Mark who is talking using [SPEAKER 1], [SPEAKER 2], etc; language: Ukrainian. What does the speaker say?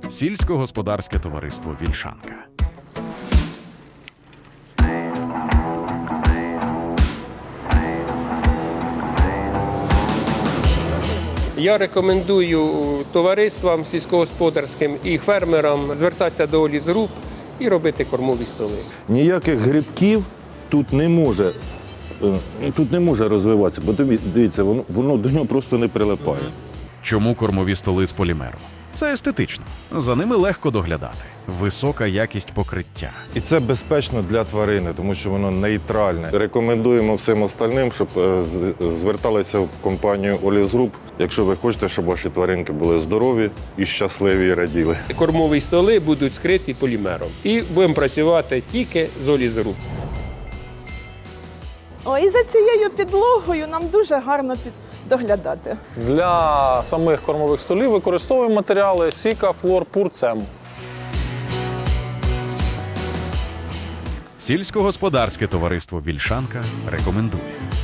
[SPEAKER 1] Сільськогосподарське товариство «Вільшанка».
[SPEAKER 2] Я рекомендую товариствам сільськогосподарським і фермерам звертатися до олізруб і робити кормові столи.
[SPEAKER 3] Ніяких грибків тут не може розвиватися, бо дивіться, воно до нього просто не прилипає.
[SPEAKER 1] Чому кормові столи з полімеру? Це естетично. За ними легко доглядати. Висока якість покриття.
[SPEAKER 3] І це безпечно для тварини, тому що воно нейтральне. Рекомендуємо всім остальним, щоб зверталися в компанію «Олізруб», якщо ви хочете, щоб ваші тваринки були здорові і щасливі і раділи.
[SPEAKER 2] Кормові столи будуть скриті полімером. І будемо працювати тільки з олізруб.
[SPEAKER 4] І за цією підлогою нам дуже гарно доглядати.
[SPEAKER 5] Для самих кормових столів використовуємо матеріали Сіка, Флор, Пурцем.
[SPEAKER 1] Сільськогосподарське товариство «Вільшанка» рекомендує.